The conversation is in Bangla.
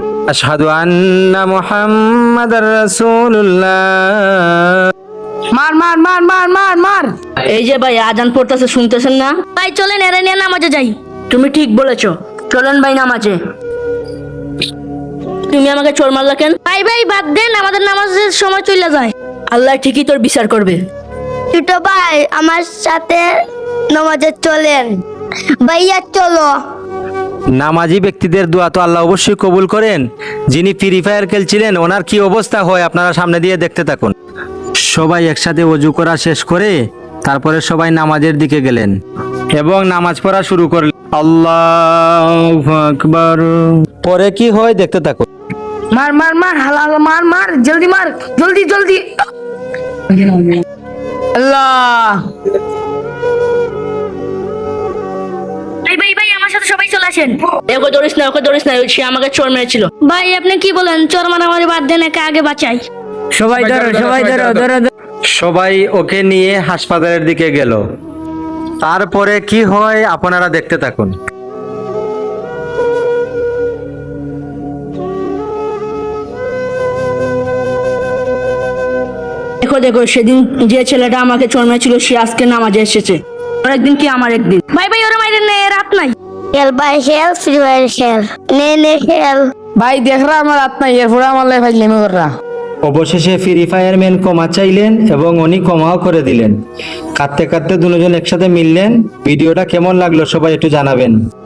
আশহাদু আন্না মুহাম্মাদার রাসূলুল্লাহ। মার মার মার মার মার মার। এই যে ভাই আজান পড়তেছে, শুনতেছেন না? ভাই চলেন এরা নিয়ে নামাজে যাই। তুমি ঠিক বলেছো, চলেন ভাই নামাজে। তুমি আমাকে চোর মারলা কেন? ভাই ভাই বাদ দেন, আমাদের নামাজের সময় চলে যায়। আল্লাহ ঠিকই তোর বিচার করবে। ছোট ভাই আমার সাথে নামাজে চলেন। ভাইয়া চলো। নামাজি ব্যক্তিদের দোয়া তো আল্লাহ অবশ্যই কবুল করেন। যিনি ফ্রি ফায়ার খেলছিলেন ওনার কি অবস্থা হয় আপনারা সামনে দিয়ে দেখতে থাকুন। সবাই একসাথে ওযু করা শেষ করে তারপরে সবাই নামাজের দিকে গেলেন এবং নামাজ পড়া শুরু করলেন। আল্লাহু আকবার। পরে কি হয় দেখতে থাকুন। মার মার মার হালাল মার মার, জলদি মার, জলদি জলদি। আল্লাহ। ভাই ভাই ভাই আমার সাথে সবাই চলে আসেন। ওকে ধরিস না, ওকে ধরিস না, সে আমাকে চোর মেরেছিল। ভাই আপনি কি বলেন, চোর মারামারি বাদ দেন, একে আগে বাঁচাই। সবাই ধরো, সবাই ধরো, ধরো ধরো। সবাই ওকে নিয়ে হাসপাতালের দিকে গেল। তারপরে কি হয় আপনারা দেখতে থাকুন। দেখো দেখো, সেদিন যে ছেলেটা আমাকে চোর মেরেছিল সে আজকে নামাজে এসেছে। ওর একদিন কি আমার একদিন। ভাই ভাই ওরা মাইরেন না, রাত নাই। খেল ভাই খেল, ফ্রি ফায়ার খেল। নে নে খেল। ভাই দেখরা আমার রাত নাই, এরপরে আমার লাই ফাইজলামি কররা। অবশেষে ফ্রি ফায়ার ম্যান ক্ষমা চাইলেন এবং উনি ক্ষমাও করে দিলেন। কাঁদতে কাঁদতে দুজন একসাথে মিললেন। ভিডিওটা কেমন লাগলো সবাই একটু জানাবেন।